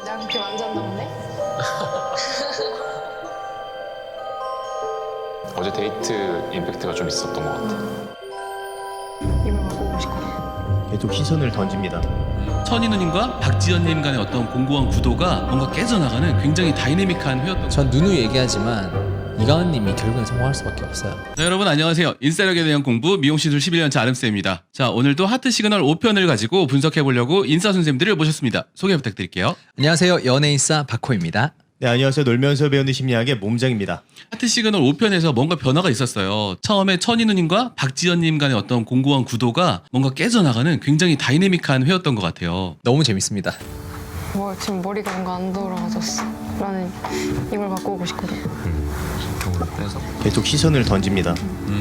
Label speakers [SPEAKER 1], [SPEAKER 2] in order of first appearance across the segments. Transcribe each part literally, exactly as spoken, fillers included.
[SPEAKER 1] 내가 그렇게 만졌나 보네?
[SPEAKER 2] 어제 데이트 임팩트가 좀 있었던 것 같아.
[SPEAKER 1] 이걸 바꾸고 싶거든.
[SPEAKER 3] 계속 시선을 던집니다.
[SPEAKER 4] 천희 누님과 박지연님 간의 어떤 공고한 구도가 뭔가 깨져나가는 굉장히 다이내믹한 회였던 것
[SPEAKER 5] 전 누누이 얘기하지만 이가은님이 결국엔 성공할 수밖에 없어요.
[SPEAKER 4] 자, 여러분 안녕하세요. 인싸력에 대한 공부 미용시술 십일 년차 아름쌤입니다. 자, 오늘도 하트 시그널 오 편을 가지고 분석해보려고 인싸 선생님들을 모셨습니다. 소개 부탁드릴게요.
[SPEAKER 5] 안녕하세요. 연예인싸 박호입니다.
[SPEAKER 3] 네, 안녕하세요. 놀면서 배우는 심리학의 몸장입니다.
[SPEAKER 4] 하트 시그널 오 편에서 뭔가 변화가 있었어요. 처음에 천희 누님과 박지연님 간의 어떤 공고한 구도가 뭔가 깨져나가는 굉장히 다이내믹한 회였던 것 같아요.
[SPEAKER 5] 너무 재밌습니다.
[SPEAKER 1] 뭐 지금 머리가 뭔가 안 돌아가졌어. 나는 이걸 바꾸고 싶거든.
[SPEAKER 2] 이걸 빼서
[SPEAKER 3] 계속 시선을 던집니다.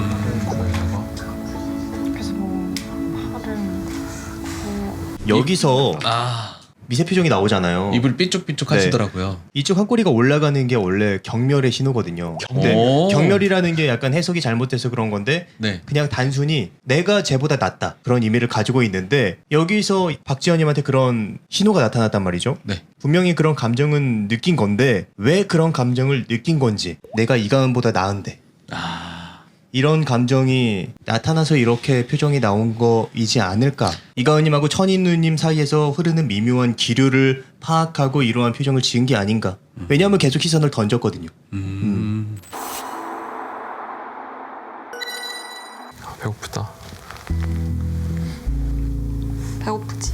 [SPEAKER 1] 그래서 뭐 화를 뭐
[SPEAKER 3] 여기서
[SPEAKER 4] 아,
[SPEAKER 3] 미세 표정이 나오잖아요.
[SPEAKER 4] 입을 삐쭉삐쭉
[SPEAKER 3] 네.
[SPEAKER 4] 하시더라고요.
[SPEAKER 3] 이쪽 한 꼬리가 올라가는 게 원래 경멸의 신호거든요. 근데
[SPEAKER 4] 오.
[SPEAKER 3] 경멸이라는 게 약간 해석이 잘못돼서 그런 건데
[SPEAKER 4] 네.
[SPEAKER 3] 그냥 단순히 내가 쟤보다 낫다 그런 의미를 가지고 있는데 여기서 박지연님한테 그런 신호가 나타났단 말이죠.
[SPEAKER 4] 네.
[SPEAKER 3] 분명히 그런 감정은 느낀 건데 왜 그런 감정을 느낀 건지 내가 이가은보다 나은데
[SPEAKER 4] 아,
[SPEAKER 3] 이런 감정이 나타나서 이렇게 표정이 나온 거이지 않을까. 이가은님하고 천인누님 사이에서 흐르는 미묘한 기류를 파악하고 이러한 표정을 지은 게 아닌가. 왜냐하면 계속 시선을 던졌거든요.
[SPEAKER 4] 음.
[SPEAKER 2] 아, 배고프다.
[SPEAKER 1] 배고프지?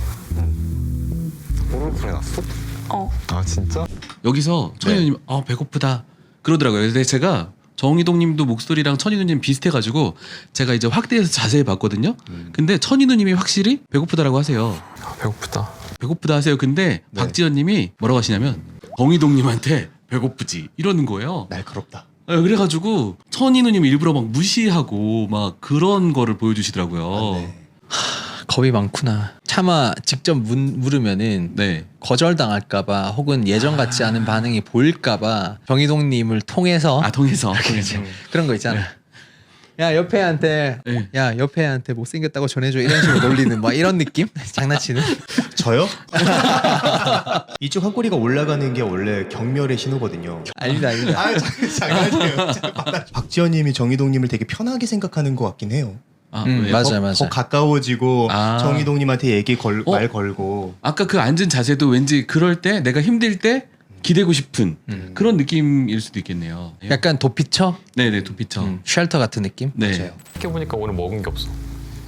[SPEAKER 2] 오른손에 났어?
[SPEAKER 1] 어.
[SPEAKER 2] 아 진짜?
[SPEAKER 4] 여기서 천희
[SPEAKER 3] 네.
[SPEAKER 4] 누님 아 배고프다 그러더라고요. 근데 제가 정희동님도 목소리랑 천희 누님 비슷해가지고 제가 이제 확대해서 자세히 봤거든요.
[SPEAKER 3] 음.
[SPEAKER 4] 근데 천희 누님이 확실히 배고프다라고 하세요.
[SPEAKER 2] 아, 배고프다.
[SPEAKER 4] 배고프다 하세요. 근데
[SPEAKER 3] 네.
[SPEAKER 4] 박지연님이 뭐라고 하시냐면 정희동님한테 배고프지 이러는 거예요.
[SPEAKER 3] 날카롭다.
[SPEAKER 4] 네, 그래가지고 천희 누님 일부러 막 무시하고 막 그런 거를 보여주시더라고요.
[SPEAKER 3] 아, 네.
[SPEAKER 5] 겁이 많구나. 차마 직접 문, 물으면은
[SPEAKER 4] 네.
[SPEAKER 5] 거절당할까봐 혹은 예전 같지 않은 반응이 보일까봐 정희동님을 통해서
[SPEAKER 4] 아 통해서 통해서.
[SPEAKER 5] 그런 거 있잖아. 야 옆에 애한테
[SPEAKER 4] 네.
[SPEAKER 5] 야 옆에 애한테 못생겼다고 전해줘 이런 식으로 놀리는 뭐 이런 느낌? 장난치는?
[SPEAKER 3] 저요? 이쪽 한 꼬리가 올라가는 게 원래 경멸의 신호거든요.
[SPEAKER 5] 아니다 아니다.
[SPEAKER 3] 아, 장난이에요. 박지연님이 정희동님을 되게 편하게 생각하는 것 같긴 해요.
[SPEAKER 4] 아,
[SPEAKER 5] 음,
[SPEAKER 4] 왜요?
[SPEAKER 5] 맞아요
[SPEAKER 3] 더,
[SPEAKER 5] 맞아요.
[SPEAKER 3] 더 가까워지고
[SPEAKER 4] 아.
[SPEAKER 3] 정희동님한테 얘기 걸,
[SPEAKER 4] 어?
[SPEAKER 3] 말 걸고.
[SPEAKER 4] 아까 그 앉은 자세도 왠지 그럴 때 내가 힘들 때 기대고 싶은
[SPEAKER 5] 음.
[SPEAKER 4] 그런 느낌일 수도 있겠네요.
[SPEAKER 5] 약간 도피처?
[SPEAKER 4] 네네 도피처.
[SPEAKER 5] 음, 쉘터 같은 느낌?
[SPEAKER 4] 네.
[SPEAKER 3] 맞아요.
[SPEAKER 2] 이렇게 보니까 오늘 먹은 게 없어.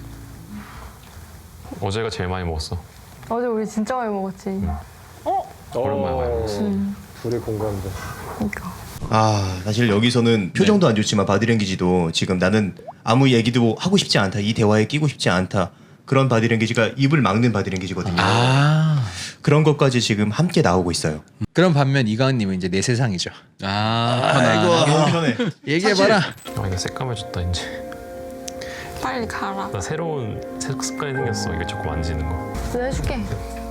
[SPEAKER 2] 어제가 제일 많이 먹었어.
[SPEAKER 1] 어제 우리 진짜 많이 먹었지.
[SPEAKER 2] 오랜만에 많이 먹었어.
[SPEAKER 1] 음.
[SPEAKER 6] 둘이 공감돼.
[SPEAKER 1] 그러니까.
[SPEAKER 3] 아, 사실 여기서는 표정도 안 좋지만 바디랭귀지도 지금 나는 아무 얘기도 하고 싶지 않다. 이 대화에 끼고 싶지 않다. 그런 바디랭귀지가 입을 막는 바디랭귀지거든요.
[SPEAKER 5] 아
[SPEAKER 3] 그런 것까지 지금 함께 나오고 있어요.
[SPEAKER 5] 그런 반면 이가은님은 이제 내 세상이죠.
[SPEAKER 4] 아,
[SPEAKER 3] 아이고, 너무 편해.
[SPEAKER 5] 얘기해봐라.
[SPEAKER 2] 아 이거 새까매졌다 이제.
[SPEAKER 1] 빨리 가라.
[SPEAKER 2] 나 새로운 새- 습관이 생겼어. 이거 자꾸 만지는 거.
[SPEAKER 1] 내가 해줄게.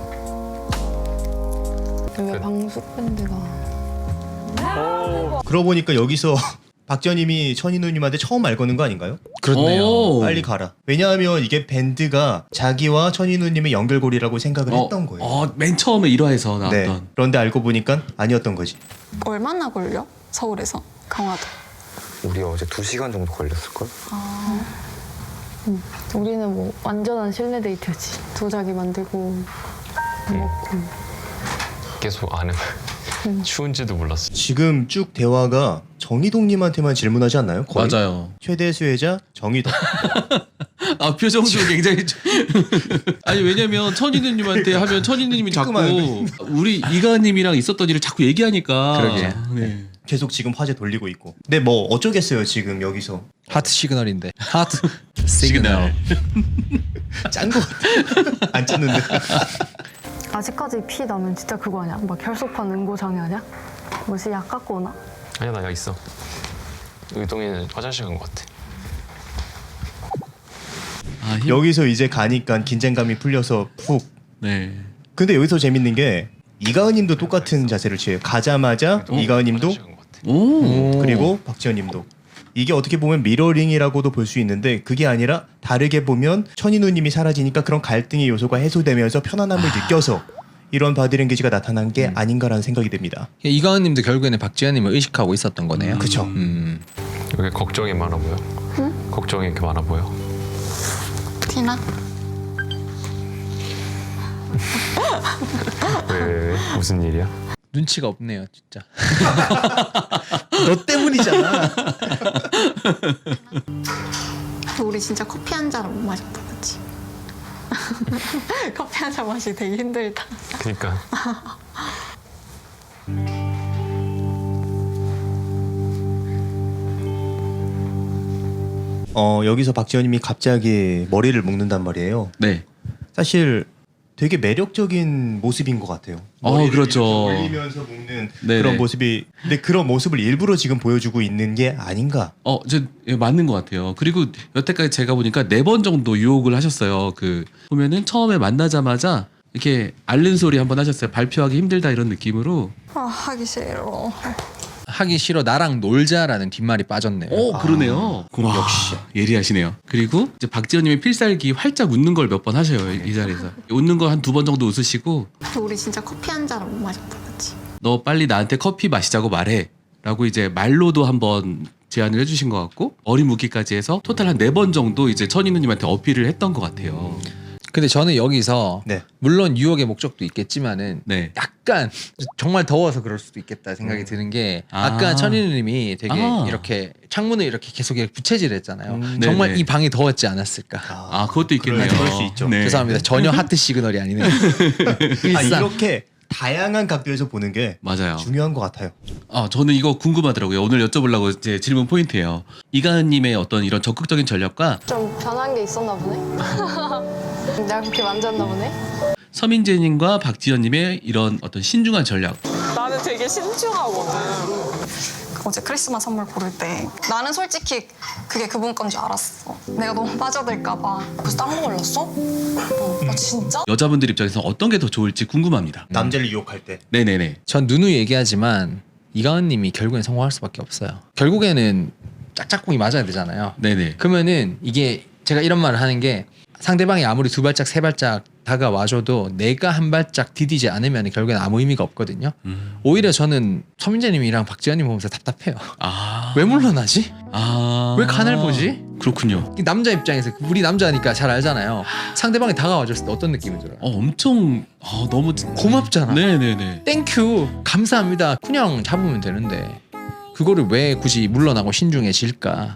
[SPEAKER 1] 왜 방숙 밴드가
[SPEAKER 3] 그러고 보니까 여기서 박지연님이 천인우님한테 처음 말 거는 거 아닌가요?
[SPEAKER 5] 그렇네요.
[SPEAKER 4] 오.
[SPEAKER 3] 빨리 가라. 왜냐하면 이게 밴드가 자기와 천인우님의 연결고리라고 생각을
[SPEAKER 4] 어,
[SPEAKER 3] 했던 거예요.
[SPEAKER 4] 어, 맨 처음에 일 화에서
[SPEAKER 3] 네.
[SPEAKER 4] 나왔던.
[SPEAKER 3] 그런데 알고 보니까 아니었던 거지.
[SPEAKER 1] 얼마나 걸려? 서울에서 강화도.
[SPEAKER 6] 우리 어제 두 시간 정도 걸렸을걸?
[SPEAKER 1] 아. 음. 우리는 뭐 완전한 실내 데이트였지. 도자기 만들고 밥 먹고.
[SPEAKER 2] 계속 안에 추운지도 몰랐어.
[SPEAKER 3] 지금 쭉 대화가 정희동님한테만 질문하지 않나요? 거의?
[SPEAKER 4] 맞아요.
[SPEAKER 3] 최대 수혜자 정희동.
[SPEAKER 4] 아 표정도 굉장히 좀- 아니 왜냐면 천희누님한테 하면 천희누님이 자꾸
[SPEAKER 3] 조그마한
[SPEAKER 4] 우리 이가님이랑 있었던 일을 자꾸 얘기하니까.
[SPEAKER 5] 그러게.
[SPEAKER 4] 네.
[SPEAKER 3] 계속 지금 화제 돌리고 있고. 근데 뭐 어쩌겠어요 지금 여기서.
[SPEAKER 5] 하트 시그널인데. 하트 시그널.
[SPEAKER 3] 짠 거 같아. 안 짰는데.
[SPEAKER 1] 아직까지 피 나면 진짜 그거 아니야? 막 혈소판 응고장애 아니야? 뭐지 약 갖고 오나?
[SPEAKER 2] 아니야 나 여기 있어. 의동이는 화장실 간 것 같아.
[SPEAKER 4] 아, 힘...
[SPEAKER 3] 여기서 이제 가니까 긴장감이 풀려서 푹.
[SPEAKER 4] 네.
[SPEAKER 3] 근데 여기서 재밌는 게 이가은님도 똑같은 자세를 취해요. 가자마자 이가은님도
[SPEAKER 2] 화장실 간것 같아.
[SPEAKER 4] 오.
[SPEAKER 3] 그리고 박지연님도. 이게 어떻게 보면 미러링이라고도 볼 수 있는데 그게 아니라 다르게 보면 천인우님이 사라지니까 그런 갈등의 요소가 해소되면서 편안함을 느껴서 이런 바디랭귀지가 나타난 게
[SPEAKER 5] 음.
[SPEAKER 3] 아닌가라는 생각이 듭니다.
[SPEAKER 5] 이가은님도 결국에는 박지현님을 의식하고 있었던 거네요.
[SPEAKER 4] 음.
[SPEAKER 3] 그쵸.
[SPEAKER 5] 음.
[SPEAKER 2] 왜 걱정이 많아 보여?
[SPEAKER 1] 응?
[SPEAKER 2] 걱정이 이렇게 많아 보여?
[SPEAKER 1] 티나?
[SPEAKER 2] 왜, 왜, 왜? 무슨 일이야?
[SPEAKER 5] 눈치가 없네요, 진짜. 너 때문이잖아.
[SPEAKER 1] 우리 진짜 커피 한 잔을 못 마셨다, 그치? 커피 한 잔 마시기 되게 힘들다.
[SPEAKER 2] 그러니까
[SPEAKER 3] 어, 여기서 박지현님이 갑자기 머리를 묶는단 말이에요.
[SPEAKER 4] 네.
[SPEAKER 3] 사실 되게 매력적인 모습인 것 같아요.
[SPEAKER 4] 어,
[SPEAKER 3] 머리를
[SPEAKER 4] 그렇죠.
[SPEAKER 3] 이렇게 올리면서 묶는
[SPEAKER 4] 네네.
[SPEAKER 3] 그런 모습이, 근데 그런 모습을 일부러 지금 보여주고 있는 게 아닌가.
[SPEAKER 4] 어, 저 예, 맞는 것 같아요. 그리고 여태까지 제가 보니까 네 번 정도 유혹을 하셨어요. 그 보면은 처음에 만나자마자 이렇게 앓는 소리 한번 하셨어요. 발표하기 힘들다 이런 느낌으로.
[SPEAKER 1] 아, 하기 싫어.
[SPEAKER 5] 하기 싫어 나랑 놀자라는 뒷말이 빠졌네요.
[SPEAKER 4] 오, 그러네요. 와, 역시 예리하시네요. 그리고 이제 박지현님이 필살기 활짝 웃는 걸 몇 번 하셔요. 이, 이 자리에서 웃는 거 한 두 번 정도 웃으시고
[SPEAKER 1] 우리 진짜 커피 한 잔을 못 마셨다, 그치?
[SPEAKER 4] 너 빨리 나한테 커피 마시자고 말해라고 이제 말로도 한번 제안을 해주신 것 같고 머리 묶기까지 해서 토탈 한 네 번 정도 이제 천인우님한테 어필을 했던 것 같아요.
[SPEAKER 5] 근데 저는 여기서
[SPEAKER 3] 네.
[SPEAKER 5] 물론 유혹의 목적도 있겠지만은
[SPEAKER 4] 네.
[SPEAKER 5] 약간 정말 더워서 그럴 수도 있겠다 생각이 드는 게
[SPEAKER 4] 아.
[SPEAKER 5] 아까 천인우님이 되게
[SPEAKER 4] 아.
[SPEAKER 5] 이렇게 창문을 이렇게 계속 이렇게 부채질했잖아요.
[SPEAKER 3] 음.
[SPEAKER 5] 정말
[SPEAKER 4] 네네.
[SPEAKER 5] 이 방이 더웠지 않았을까.
[SPEAKER 4] 아, 그것도 있겠네요.
[SPEAKER 3] 그럴, 그럴 수 있죠.
[SPEAKER 4] 네.
[SPEAKER 5] 죄송합니다. 전혀 하트 시그널이 아니네요.
[SPEAKER 3] 아,
[SPEAKER 5] 일상.
[SPEAKER 3] 이렇게 다양한 각도에서 보는 게
[SPEAKER 4] 맞아요.
[SPEAKER 3] 중요한 것 같아요.
[SPEAKER 4] 아, 저는 이거 궁금하더라고요. 오늘 여쭤보려고 이제 질문 포인트예요. 이가은님의 어떤 이런 적극적인 전략과
[SPEAKER 1] 좀 변한 게 있었나 보네? 내가 그렇게 만졌나 보네?
[SPEAKER 4] 서민재님과 박지현님의 이런 어떤 신중한 전략.
[SPEAKER 7] 나는 되게 신중하거든. 어제 크리스마스 선물 고를 때 나는 솔직히 그게 그분 건 줄 알았어. 내가 너무 빠져들까 봐. 그래서 딴 거 골랐어? 어, 아, 진짜?
[SPEAKER 4] 여자분들 입장에서 어떤 게 더 좋을지 궁금합니다.
[SPEAKER 3] 남자를 유혹할 때.
[SPEAKER 4] 네네네.
[SPEAKER 5] 전 누누이 얘기하지만 이가은님이 결국엔 성공할 수밖에 없어요. 결국에는 짝짝꿍이 맞아야 되잖아요.
[SPEAKER 4] 네네.
[SPEAKER 5] 그러면은 이게 제가 이런 말을 하는 게 상대방이 아무리 두 발짝 세 발짝 다가와줘도 내가 한 발짝 디디지 않으면 결국엔 아무 의미가 없거든요.
[SPEAKER 4] 음.
[SPEAKER 5] 오히려 저는 서민재님이랑 박지현님 보면서 답답해요.
[SPEAKER 4] 아.
[SPEAKER 5] 왜 물러나지?
[SPEAKER 4] 아.
[SPEAKER 5] 왜 간을 보지?
[SPEAKER 4] 그렇군요.
[SPEAKER 5] 이 남자 입장에서 우리 남자니까 잘 알잖아요. 상대방이 다가와줬을 때 어떤 느낌이 들어요?
[SPEAKER 4] 어, 엄청 아, 너무
[SPEAKER 5] 고맙잖아.
[SPEAKER 4] 네네네.
[SPEAKER 5] 땡큐 감사합니다. 그냥 잡으면 되는데 그거를 왜 굳이 물러나고 신중해질까?